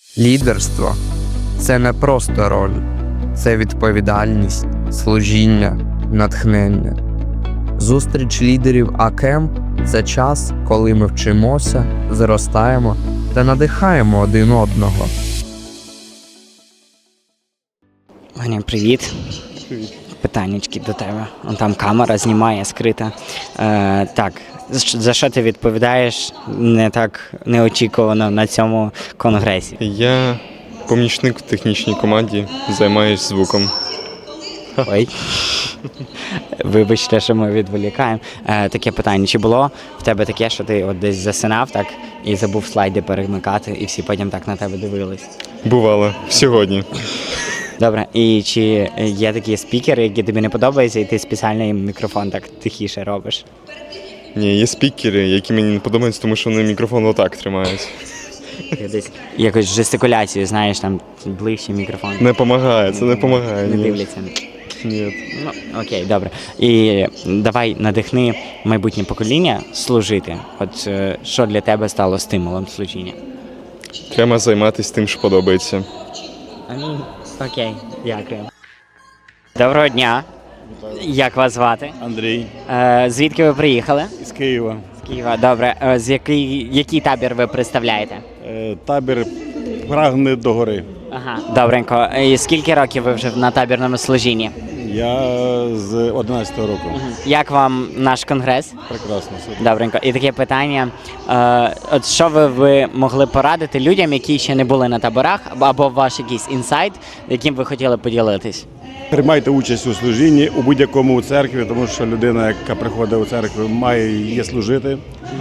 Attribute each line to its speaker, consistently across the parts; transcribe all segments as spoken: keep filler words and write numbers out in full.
Speaker 1: Лідерство – це не просто роль, це відповідальність, служіння, натхнення. Зустріч лідерів АКЕМП – це час, коли ми вчимося, зростаємо та надихаємо один одного.
Speaker 2: Ваня, привіт.
Speaker 3: Привіт.
Speaker 2: Питаннячки до тебе. Вон там камера знімає, скрита. Е, так, за що ти відповідаєш не так неочікувано на цьому конгресі?
Speaker 3: Я помічник в технічній команді, займаюсь звуком.
Speaker 2: Ой. Вибачте, що ми відволікаємо. Е, таке питання. Чи було в тебе таке, що ти от десь засинав так і забув слайди перемикати, і всі потім так на тебе дивились?
Speaker 3: Бувало. Сьогодні.
Speaker 2: Добре, і чи є такі спікери, які тобі не подобаються, і ти спеціально їм мікрофон так тихіше робиш?
Speaker 3: Ні, є спікери, які мені не подобаються, тому що вони мікрофон отак тримають.
Speaker 2: Десь якось жестикуляцію, знаєш, там ближче мікрофон.
Speaker 3: Не допомагає, це не допомагає.
Speaker 2: Не
Speaker 3: ні.
Speaker 2: дивляться.
Speaker 3: Ні.
Speaker 2: Ну, окей, добре. І давай надихни майбутнє покоління служити. От е, що для тебе стало стимулом служіння?
Speaker 3: Треба займатися тим, що подобається.
Speaker 2: Окей, дякую. Доброго дня. Як вас звати?
Speaker 4: Андрій
Speaker 2: Е, звідки ви приїхали?
Speaker 4: із Києва.
Speaker 2: З Києва. Добре. Е, з який, який табір ви представляєте?
Speaker 4: Е, Табір прагне до гори.
Speaker 2: Ага, добренько. І скільки років ви вже на табірному служінні?
Speaker 4: Я з одинадцятого року.
Speaker 2: Як вам наш конгрес?
Speaker 4: Прекрасно. супер.
Speaker 2: Добренько. І таке питання. Е, от що ви, ви могли порадити людям, які ще не були на таборах, або ваш якийсь інсайт, яким ви хотіли поділитись?
Speaker 4: Приймайте участь у служінні у будь-якому церкві, тому що людина, яка приходить у церкву, має є служити.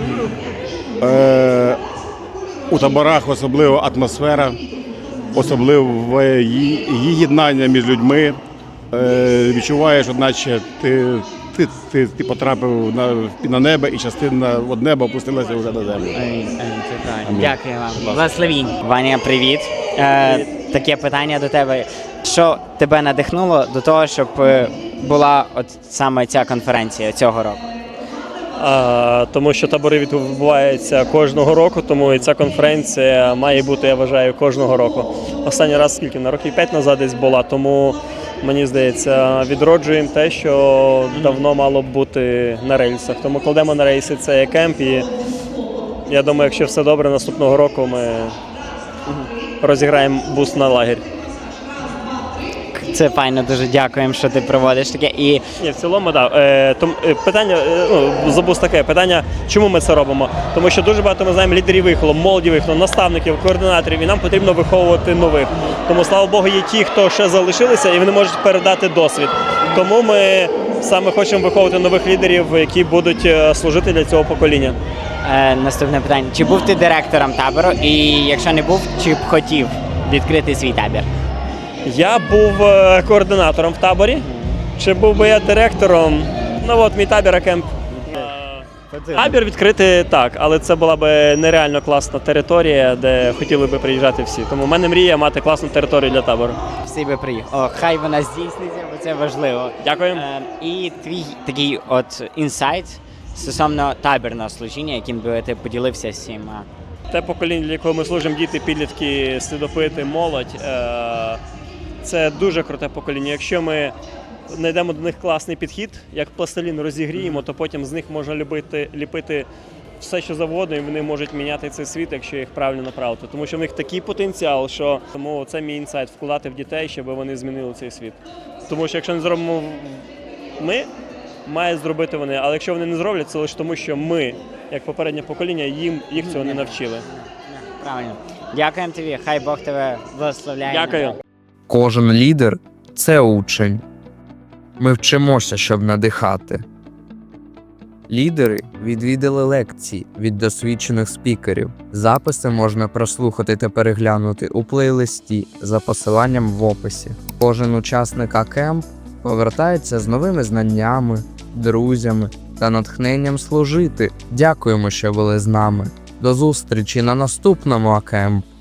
Speaker 4: Е, у таборах особливо атмосфера, особливо її, її єднання між людьми. Е, відчуваєш, одначе ти, ти, ти, ти потрапив на, на небо, і частина від неба опустилася вже на землю.
Speaker 2: Це правильно. Дякую вам. Благословінь. Ваня, привіт. Е, таке питання до тебе. Що тебе надихнуло до того, щоб е, була от саме ця конференція цього року?
Speaker 5: А, тому що табори відбуваються кожного року, тому і ця конференція має бути, я вважаю, кожного року. Останній раз скільки? На років п'ять назад десь була, тому мені здається, відроджуємо те, що давно мало б бути на рельсах. Тому кладемо на рейси цей кемп, і я думаю, якщо все добре, наступного року ми розіграємо буст на лагерь.
Speaker 2: Це файно, дуже дякуємо, що ти проводиш таке. І
Speaker 5: Ні, в цілому, так. Да. Е, том, е, питання, е, ну, забув таке, питання, чому ми це робимо? Тому що дуже багато ми знаємо лідерів вихолу, молоді вихолу, наставників, координаторів, і нам потрібно виховувати нових. Тому, слава Богу, є ті, хто ще залишилися, і вони можуть передати досвід. Тому ми саме хочемо виховувати нових лідерів, які будуть е, служити для цього покоління.
Speaker 2: е, наступне питання. Чи був ти директором табору? І якщо не був, чи б хотів відкрити свій табір?
Speaker 5: Я був е, координатором в таборі. Чи був би я директором? Ну от мій табір АКЕМП. Табір відкрити так, але це була б нереально класна територія, де хотіли би приїжджати всі. Тому в мене мрія мати класну територію для табору.
Speaker 2: Всі би приїхали. О, хай вона здійсниться, бо це важливо.
Speaker 5: Дякую.
Speaker 2: Е, і твій такий от інсайт стосовно табірного служіння, яким би ти поділився з всіма.
Speaker 5: Те покоління, для якого ми служимо, діти, підлітки, слідопити, молодь. е, Це дуже круте покоління. Якщо ми знайдемо до них класний підхід, як пластилін розігріємо, то потім з них можна любити, ліпити все, що завгодно, і вони можуть міняти цей світ, якщо їх правильно направити. Тому що в них такий потенціал, що тому це мій інсайт – вкладати в дітей, щоб вони змінили цей світ. Тому що якщо не зробимо ми, має зробити вони. Але якщо вони не зроблять, це лише тому, що ми, як попереднє покоління, їм їх цього не навчили.
Speaker 2: Правильно. Дякуємо тобі, хай Бог тебе благословляє.
Speaker 5: Дякую.
Speaker 1: Кожен лідер – це учень. Ми вчимося, щоб надихати. Лідери відвідали лекції від досвідчених спікерів. Записи можна прослухати та переглянути у плейлисті за посиланням в описі. Кожен учасник АКЕМП повертається з новими знаннями, друзями та натхненням служити. Дякуємо, що були з нами. До зустрічі на наступному АКЕМП.